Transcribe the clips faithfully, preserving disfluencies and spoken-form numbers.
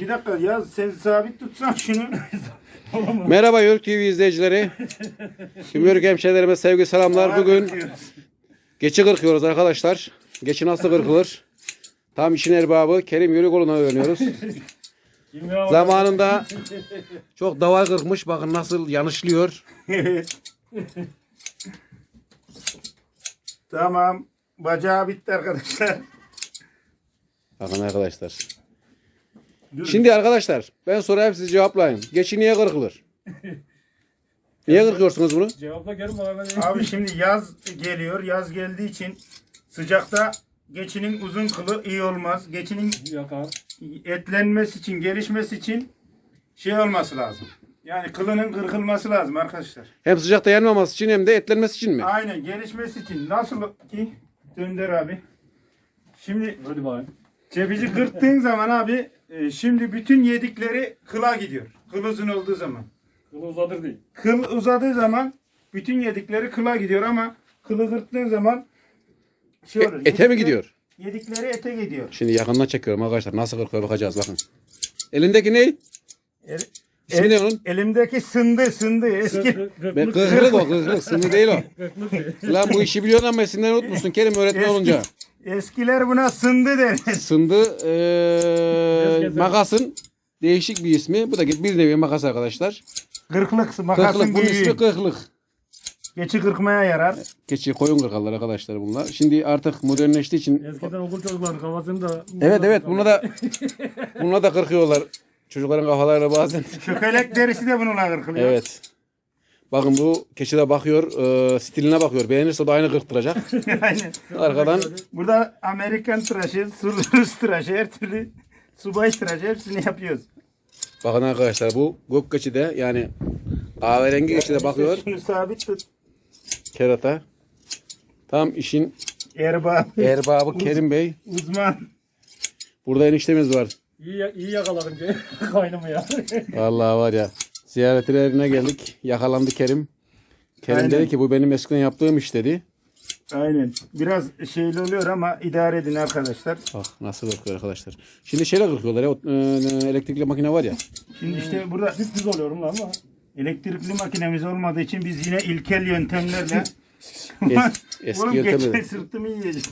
Bir dakika ya sen sabit tutsan şunu. Merhaba Yörük T V izleyicileri. Tüm Yörük hemşehrilerime sevgi selamlar. Bugün geçi kırkıyoruz arkadaşlar. Geçi nasıl kırkılır? Tam işin erbabı Kerim Yörükoğlu'na öğreniyoruz. Zamanında çok daval kırkmış. Bakın nasıl yanışlıyor. Tamam. Bacağı bitti arkadaşlar. Bakın arkadaşlar. Şimdi arkadaşlar ben sorayım siz cevaplayın. Geçi niye kırkılır? Niye kırkıyorsunuz bunu? Cevapla Kerim bana. Abi şimdi yaz geliyor. Yaz geldiği için sıcakta geçinin uzun kılı iyi olmaz. Geçinin Yakar. etlenmesi için, gelişmesi için şey olması lazım. Yani kılının kırkılması lazım arkadaşlar. Hem sıcakta yanmaması için hem de etlenmesi için mi? Aynen, gelişmesi için. Nasıl ki? Dönder abi. Şimdi Hadi bakayım. cebici kırttığın zaman abi e, şimdi bütün yedikleri kıla gidiyor. Kıl uzun olduğu zaman. Kılı uzadır değil. Kıl uzadığı zaman bütün yedikleri kıla gidiyor ama kılı kırttığın zaman şey olur. E, ete mi yedikleri- gidiyor? Yedikleri ete gidiyor. Şimdi yakından çekiyorum arkadaşlar. Nasıl kırkıyor bakacağız bakın. Elindeki ne? El, İsmi ne onun? Elimdeki sındı sındı eski. Ben kırklık o kırklık. Sınır değil o. Kırklık değil. Lan bu işi biliyorsun ama isimleri unutmuşsun Kerim öğretmen Eski- olunca. Eskiler buna sındı der. Sındı eee makasın değişik bir ismi. Bu da bir nevi makas arkadaşlar. Kırklık makasın Kırklık bunun büyüğü. ismi kırklık. Geçi kırkmaya yarar. Keçi koyun kırkarlar arkadaşlar bunlar. Şimdi artık modernleştiği için. Eskiden okul çocukların kafasını da... Evet evet buna da buna da kırkıyorlar. Çocukların kafalarına bazen. Çökelek derisi de bununla kırkılıyor. Evet. Bakın bu keçi de bakıyor, eee, stiline bakıyor. Beğenirse o da aynı kırktıracak. Aynen. Arkadan Burada Amerikan tıraşı, Rus tıraşı, her türlü subay tıraşı hepsini yapıyoruz. bakın arkadaşlar bu gök keçi de yani kahverengi keçi de bakıyor. Şunu sabit tut. Kerata. Tam işin Erbab. erbabı Kerim Bey. Uzman. Burada eniştemiz var. İyi, ya- iyi yakaladım ki kaynımı ya. Vallahi var ya. Ziyaretlerine geldik. Yakalandı Kerim. Kerim Aynen. dedi ki bu benim eskiden yaptığım iş dedi. Aynen. Biraz şeyli oluyor ama idare edin arkadaşlar. Bak nasıl kırkıyor arkadaşlar. Şimdi şeyle kırkıyorlar ya. o, e, elektrikli makine var ya. Şimdi işte burada Düz oluyorum lan ama. elektrikli makinemiz olmadığı için biz yine ilkel yöntemlerle Es, eski oğlum yöntemle. geçen sırtımı yiyecek.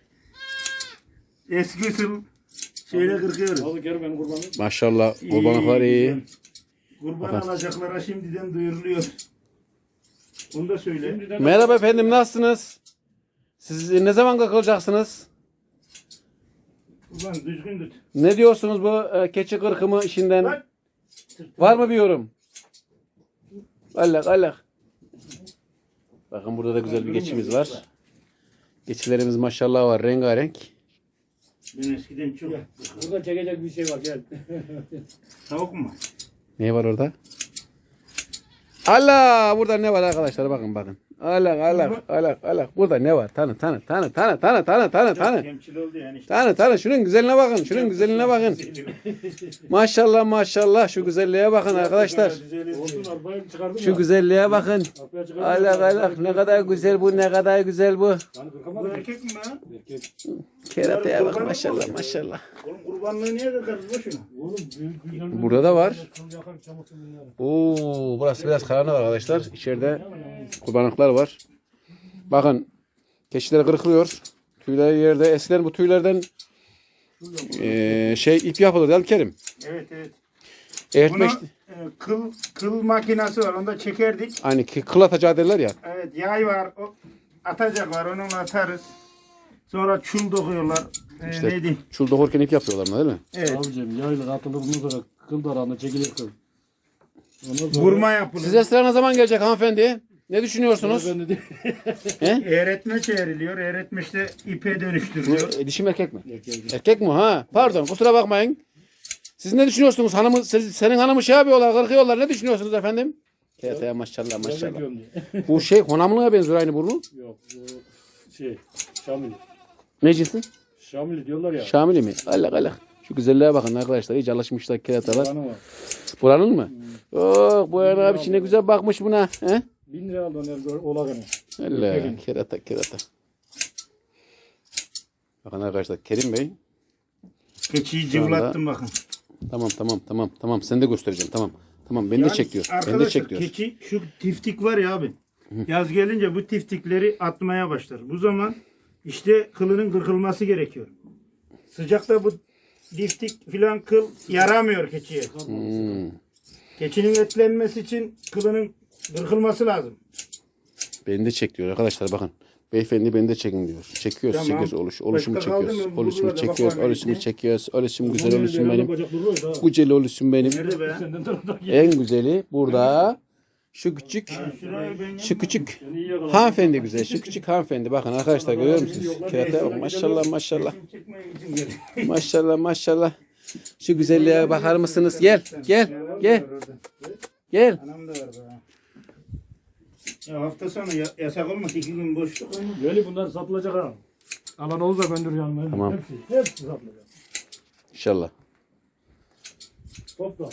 Eski usul şeyle kırkıyoruz. Hadi Kerim benim kurbanım. Maşallah kurbanlıklar iyi. güzel. Kurban Bakın. alacaklara şimdiden duyuruluyor. Onu da söyle. Şimdiden Merhaba efendim nasılsınız? Siz ne zaman kırkılacaksınız? Ulan düzgün tut. Ne diyorsunuz bu e, keçi kırkımı işinden? Bak. Var mı bir yorum? Allah Allah. Bakın burada da güzel bir geçimiz var. Geçilerimiz maşallah var rengarenk. Ben eskiden çok. burada çekecek bir şey var gel. Tavuk mu? Ne var orada? Allah burada ne var arkadaşlar bakın bakın. Allah Allah Allah Allah burada ne var? Tanı tanı tanı tanı tanı tanı tanı tanı. Kemçil oldu yani işte. Tanı tanı şunun güzelliğine bakın. Şunun güzelliğine bakın. Maşallah maşallah şu güzelliğe bakın arkadaşlar. Olsun arbayı çıkardım Şu ya. güzelliğe bakın. Arpaya çıkardım. Allah Allah ne kadar güzel bu ne kadar güzel bu. Yani Bu kırkamadım. erkek mi lan? Erkek. Kerataya bak maşallah maşallah. Oğlum kurbanlığı niye kırkarız bu şunu? Oğlum büyük güzel. Burada da var. Kıl yakar çamursun bunları. Oo burası biraz karanlık arkadaşlar. İçeride kurbanlıklar var. Bakın keçiler kırkılıyor. Tüyleri yerde. Eskiden bu tüylerden eee, şey ip yapılır değil mi Kerim? Evet evet. Eğitme Bunu işte. e, kıl kıl makinesi var. Onda çekerdik. Hani ki- kıl atacağı derler ya. Evet, yay var. O, atacak var. Onunla atarız. Sonra çul dokuyorlar. Ee, İşte neydi? çul dokurken ip yapıyorlar bunlar değil mi? Evet. Abicim yayla atılır bundan sonra kıl darağına çekilir kıl. Ondan sonra Vurma yapılır. Size sıra ne zaman gelecek hanımefendi? Ne düşünüyorsunuz? Ben de Eğretme çevriliyor. Eğretme işte ipe Bu dönüştürülüyor. e, dişi mi erkek mi? Erkek. Erkek mi ha? Pardon kusura bakmayın. Siz ne düşünüyorsunuz? Hanımı, siz- senin hanımı şey yapıyorlar, kırkıyorlar. Ne düşünüyorsunuz efendim? Kerataya maşallah maşallah. Bekliyorum diye. Bu şey honamlığa benziyor aynı burnu. Yok bu şey Şamil. Ne cinsi? Şamil diyorlar ya. Şamili mi? Allah Allah. Şu güzelliğe bakın arkadaşlar. İyice alışmışlar keratalar. Kanı var. Buranın mı? Oh bu Erhan abi ne güzel bakmış buna. He? Bin lira aldı onlar olaganı. Allah kerata kerata. Bakın arkadaşlar Kerim Bey Keçiyi Şu anda- cıvlattım bakın. Tamam tamam tamam tamam. Sen de göstereceğim tamam. Tamam beni de Yani çek diyor. Beni de arkadaşlar, çek diyor. keçi şu tiftik var ya abi. Yaz gelince bu tiftikleri atmaya başlar. Bu zaman işte kılının kırkılması gerekiyor. Sıcakta bu tiftik filan kıl yaramıyor keçiye. Hmm. Keçinin etlenmesi için kılının kırkılması lazım. Beni de çek diyor arkadaşlar bakın. Beyefendi beni de çekin diyor. Çekiyoruz, Tamam. çekiyoruz. Oluş, oluşumu Başka kaldı çekiyoruz. mı? Oluşumu Burada da çekiyoruz. bakalım Oluşumu işte. çekiyoruz. Oluşum güzel Onun oluşum yerine benim. bacak duruyor da. Güzel oluşum benim. Nerede be? Senden taraftan gel. En güzeli burada. Şu küçük, Şurayı ben şu küçük Seni iyi yakaladım. hanımefendi güzel. Şu küçük hanımefendi. Bakın arkadaşlar görüyor musunuz? Kerate bak maşallah maşallah. çekmeye için gel. Maşallah maşallah. Şu güzelliğe bakar mısınız? Gel gel gel gel. Anam da var be. Ya hafta sonu ya- yasak olmaz. iki gün boşluk. Böyle bunlar satılacak ha. Alan olursa ben dur yanına. Tamam. Hepsi, hepsi satılacak. İnşallah. Topla.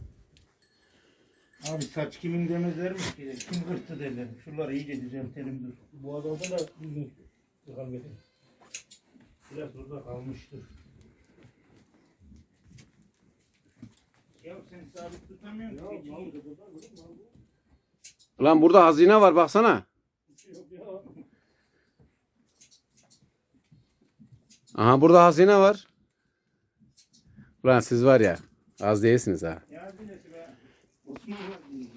Abi saç kimin demezlermiş ki? Kim kırttı derler. Şuraları iyice düzeltelim dur. Bu adamda da düzgün. Yıkan getir. Biraz burada kalmıştır. Ya sen sabit tutamıyorsun ki keçiyi. Ulan burada hazine var baksana. Aha burada hazine var. Ulan siz var ya az değilsiniz ha. Ya bilesi be. Osman